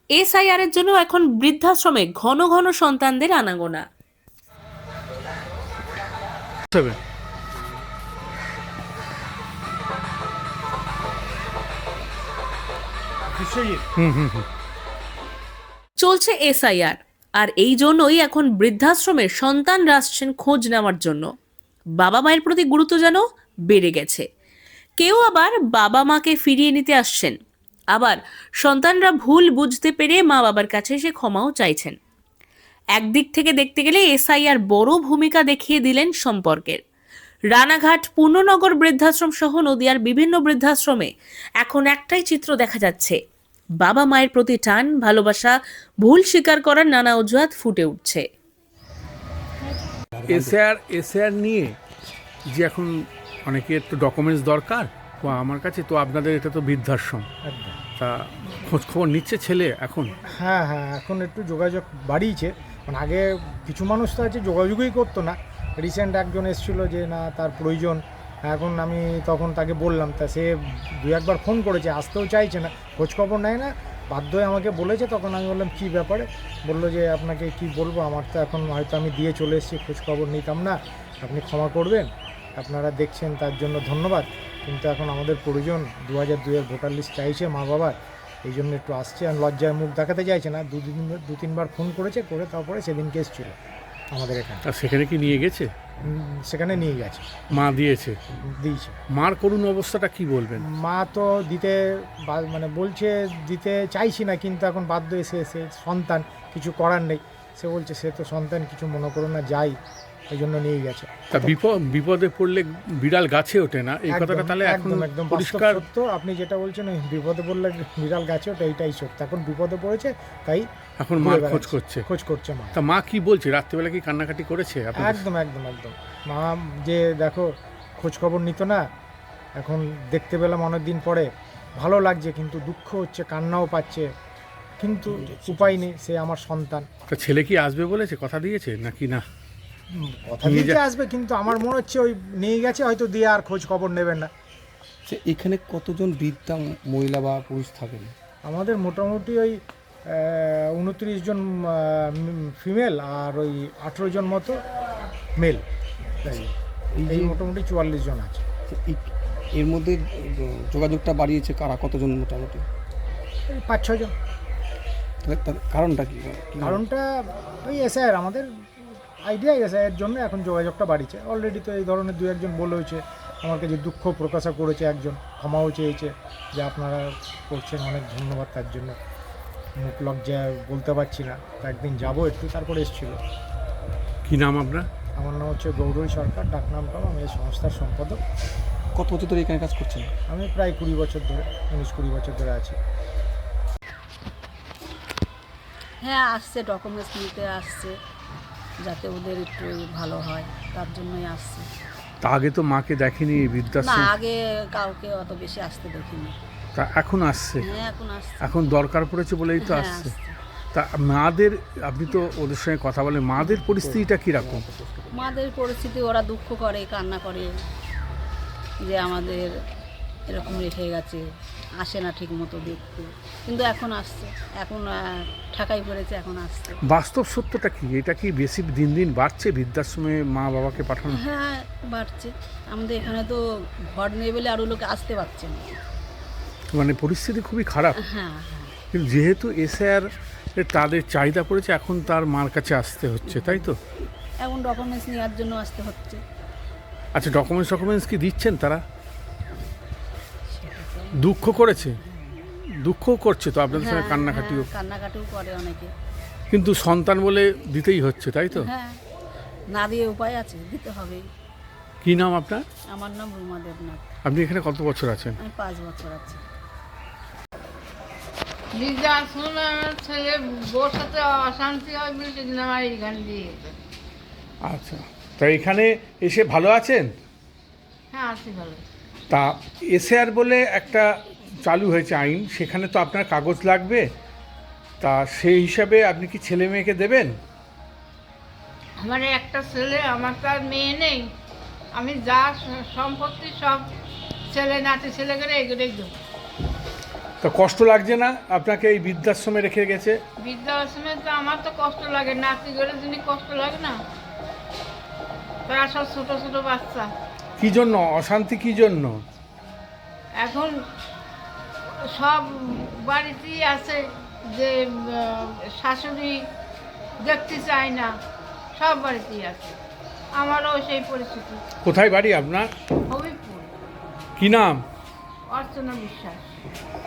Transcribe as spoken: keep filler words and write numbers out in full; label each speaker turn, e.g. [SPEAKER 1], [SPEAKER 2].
[SPEAKER 1] SIR এর জন্য এখন বৃদ্ধাশ্রমে ঘন ঘন সন্তানদের আনাগোনা।
[SPEAKER 2] সেভেন হুম হুম হুম
[SPEAKER 1] চলছে এসআইআর, আর এই জন্যই এখন বৃদ্ধাশ্রমের সন্তানরা আসছেন খোঁজ নেওয়ার জন্য। বাবা মায়ের প্রতি গুরুত্ব যেন বেড়ে গেছে। কেউ আবার বাবা মাকে ফিরিয়ে নিতে আসছেন, আবার সন্তানরা ভুল বুঝতে পেরে মা বাবার কাছে এসে ক্ষমাও চাইছেন। একদিক থেকে দেখতে গেলে এসআইআর বড় ভূমিকা দেখিয়ে দিলেন সম্পর্কের। রানাঘাট, পূর্ণনগর বৃদ্ধাশ্রম সহ নদিয়ার বিভিন্ন বৃদ্ধাশ্রমে এখন একটাই চিত্র দেখা যাচ্ছে, বাবা মায়ের প্রতি টান, ভালোবাসা, ভুল স্বীকার করার নানা অজুহাত ফুটে উঠছে।
[SPEAKER 2] এসআর এসআর নিয়ে যে এখন অনেকের তো ডকুমেন্টস দরকার, তো আমার কাছে তো আপনাদের এটা তো বৃদ্ধাশ্রম,
[SPEAKER 3] একদম।
[SPEAKER 2] তা খোঁজ খবর নিচ্ছে ছেলে এখন?
[SPEAKER 3] হ্যাঁ হ্যাঁ এখন একটু যোগাযোগ বাড়িয়েছে, মানে আগে কিছু মানুষ তো আছে যোগাযোগই করতো না। রিসেন্ট একজন এসেছিলো যে না তার প্রয়োজন, এখন আমি তখন তাকে বললাম, তা সে দু একবার ফোন করেছে, আসতেও চাইছে না, খোঁজখবর নেয় না, বাধ্য হয়ে আমাকে বলেছে। তখন আমি বললাম কী ব্যাপারে, বললো যে আপনাকে কি বলবো, আমার তো এখন হয়তো আমি দিয়ে চলে এসেছি, খোঁজখবর নিতাম না, আপনি ক্ষমা করবেন, আপনারা দেখছেন তার জন্য ধন্যবাদ, কিন্তু এখন আমাদের প্রয়োজন, দু হাজার দুইয়ের ভোটার লিস্ট চাইছে মা বাবার, এই জন্য একটু আসছে, আর লজ্জায় মুখ দেখাতে চাইছে না। দুদিন দু তিনবার ফোন করেছে, করে তারপরে সেদিন কেস ছিল আমাদের এখানে।
[SPEAKER 2] আর সেখানে কি নিয়ে গেছে?
[SPEAKER 3] উম, সেখানে নিয়ে গেছে,
[SPEAKER 2] মা দিয়েছে?
[SPEAKER 3] দিয়েছে।
[SPEAKER 2] মার করুণ অবস্থাটা কি বলবেন?
[SPEAKER 3] মা তো দিতে বা- মানে বলছে দিতে চাইছি না, কিন্তু এখন বাধ্য এসে এসে সন্তান, কিছু করার নেই। সে বলছে সে তো সন্তান, কিছু মনে করো না, যাই, এই জন্য নিয়ে গেছে।
[SPEAKER 2] তা বিপদ বিপদে পড়লে বিড়াল গাছে ওঠে না, এই
[SPEAKER 3] একদম,
[SPEAKER 2] কথাটা তাহলে এখন
[SPEAKER 3] একদম একদম
[SPEAKER 2] পরিষ্কার?
[SPEAKER 3] বাস্তব সত্য। আপনি যেটা বলছেন ওই বিপদে পড়লে বিড়াল গাছে ওটা, এইটাই সত্য। এখন বিপদে পড়েছে, তাই
[SPEAKER 2] এখন
[SPEAKER 3] ঘুরে
[SPEAKER 2] মার খোঁজ
[SPEAKER 3] বেড়াচ্ছে,
[SPEAKER 2] করছে।
[SPEAKER 3] খোঁজ করছে মা।
[SPEAKER 2] তা মা কি বলছে? রাত্রিবেলা কি কান্নাকাটি করেছে আপনাদের?
[SPEAKER 3] একদম একদম একদম মা যে দেখো খোঁজ খবর নিত না, এখন দেখতে পেলাম অনেক দিন পরে, ভালো লাগছে, কিন্তু দুঃখ হচ্ছে, কান্নাও পাচ্ছে, কিন্তু উপায় নেই, সে আমার সন্তান।
[SPEAKER 2] তা ছেলে কি আসবে বলেছে, কথা দিয়েছে নাকি না?
[SPEAKER 3] উম, কথা
[SPEAKER 2] নিয়ে
[SPEAKER 3] দিতে
[SPEAKER 2] যা-
[SPEAKER 3] আসবে, কিন্তু আমার মনে হচ্ছে ওই নিয়ে গেছে হয়তো, দিয়ে আর খোঁজ খবর নেবেন না।
[SPEAKER 4] যে এখানে কতজন বৃদ্ধা মহিলা বা পুরুষ থাকেন?
[SPEAKER 3] আমাদের মোটামুটি ওই উনত্রিশ জন ফিমেল আর ওই আঠেরো জন মতো মেল,
[SPEAKER 4] এই
[SPEAKER 3] এই
[SPEAKER 4] যে
[SPEAKER 3] মোটামুটি চুয়াল্লিশ জন আছে।
[SPEAKER 4] যে এই- এর মধ্যে যোগাযোগটা বাড়িয়েছে কারা, কতজন মোটামুটি?
[SPEAKER 3] এই পাঁচ ছজন।
[SPEAKER 4] তাহলে তার কারণটা কি? কি
[SPEAKER 3] কারণটা ওই এসআইআর, আমাদের আইডিয়া এসআইআর জন্য এখন যোগাযোগটা বাড়িছে। অলরেডি তো এই ধরনের দু একজন বলে হয়েছে, আমার কাছে দুঃখ প্রকাশ করেছে, একজন ক্ষমাও চেয়েছে যে আপনারা করছেন, অনেক ধন্যবাদ তার জন্য, মুখ লজ্জায় বলতে পারছি না, তো একদিন যাবো একটু, তারপরে এসেছিলো।
[SPEAKER 2] কি নাম আপনার?
[SPEAKER 3] আমার নাম হচ্ছে গৌরী সরকার, ডাকনামটাও, আমি এই সংস্থার সম্পাদক।
[SPEAKER 4] কত বছর ধরে এখানে কাজ করছেন?
[SPEAKER 3] আমি প্রায় কুড়ি বছর ধরে, উনিশ কুড়ি বছর ধরে আছি।
[SPEAKER 5] হ্যাঁ আসছে, ডকুমেন্টস নিতে আসছে, যাতে ওদের একটু ভালো হয়, তার জন্যই আসছে।
[SPEAKER 2] তা আগে তো মাকে দেখেনি এই
[SPEAKER 5] না
[SPEAKER 2] বৃদ্ধাশ্রম,
[SPEAKER 5] আগে কাউকে অত বেশি আসতে দেখিনি।
[SPEAKER 2] তা এখন আসছে?
[SPEAKER 5] হ্যাঁ এখন আসছে।
[SPEAKER 2] এখন দরকার পড়েছে বলেই তো
[SPEAKER 5] হ্যাঁ,
[SPEAKER 2] আসছে।
[SPEAKER 5] আসছে।
[SPEAKER 2] তা মাদের, আপনি তো ওদের সঙ্গে কথা বলেন, মাদের পরিস্থিতিটা কীরকম?
[SPEAKER 5] মাদের পরিস্থিতি, ওরা দুঃখ করে, কান্না করে যে আমাদের এরকম রেখে গেছে, আসে না ঠিক মতো দেখতে, কিন্তু এখন আসছে, এখন আহ, ঠাকাই পড়েছে, এখন আসছে।
[SPEAKER 2] বাস্তব সত্যটা কি? এটা কি বেশি দিন দিন বাড়ছে বৃদ্ধাশ্রমে মা বাবাকে পাঠানো?
[SPEAKER 5] হ্যাঁ বাড়ছে, আমাদের এখানে তো ঘর নেই বলে আরও লোকে আসতে পারছে না।
[SPEAKER 2] মানে পরিস্থিতি খুবই খারাপ।
[SPEAKER 5] হ্যাঁ হ্যাঁ
[SPEAKER 2] কিন্তু যেহেতু এসআর তাদের চাহিদা পড়েছে, এখন তার মার কাছে আসতে হচ্ছে, তাই তো?
[SPEAKER 5] এখন ডকুমেন্টস নেওয়ার জন্য আসতে হচ্ছে।
[SPEAKER 2] আচ্ছা, ডকুমেন্টস ডকুমেন্টস কি দিচ্ছেন তারা? দুঃখ করেছে, দুঃখও করছে তো আপনাদের সঙ্গে,
[SPEAKER 5] হ্যাঁ,
[SPEAKER 2] কান্নাকাটিও,
[SPEAKER 5] হ্যাঁ, কান্নাকাটিও করে অনেকে।
[SPEAKER 2] কিন্তু সন্তান বলে দিতেই হচ্ছে, তাই তো?
[SPEAKER 5] হ্যাঁ, না দিয়ে উপায় আছে, দিতে হবে।
[SPEAKER 2] কি নাম আপনার?
[SPEAKER 5] আমার নাম রুমা দেবনাথ,
[SPEAKER 2] আপনি এখানে কত বছর আছেন?
[SPEAKER 5] আমি পাঁচ বছর আছি।
[SPEAKER 6] বৃদ্ধাশ্রম আমার ছেলে বউর সাথে অশান্তি হয় বলে সেদিন আমার এইখানে দিয়ে গেছে।
[SPEAKER 2] আচ্ছা, তা এখানে এসে ভালো আছেন?
[SPEAKER 6] হ্যাঁ আছি ভালো।
[SPEAKER 2] তা এসআর বলে একটা চালু হয়েছে আইন, সেখানে তো আপনার কাগজ লাগবে, তা সেই হিসাবে আপনি কি ছেলে মেয়েকে দেবেন?
[SPEAKER 6] আমার একটা ছেলে, আমার তো আর মেয়ে নেই, আমি যা স- সম্পত্তি সব ছেলে নাতি ছেলে করে এগুলোই দেবো।
[SPEAKER 2] তো কষ্ট লাগছে না আপনাকে এই বৃদ্ধাশ্রমে রেখে গেছে?
[SPEAKER 6] বৃদ্ধাশ্রমে তো আমার তো কষ্ট লাগে, নাতিগুলোর জন্য কষ্ট লাগে না? তারা সব ছোটো ছোটো বাচ্চা।
[SPEAKER 2] কি জন্য অশান্তি, কি জন্য?
[SPEAKER 6] এখন সব বাড়িতেই আছে যে আহ, শাশুড়ি দেখতে চায় না, সব বাড়িতেই আছে। আমারও সেই পরিস্থিতি।
[SPEAKER 2] কোথায় বাড়ি আপনার?
[SPEAKER 6] হবিপুর।
[SPEAKER 2] কি নাম?
[SPEAKER 6] অর্চনা বিশ্বাস।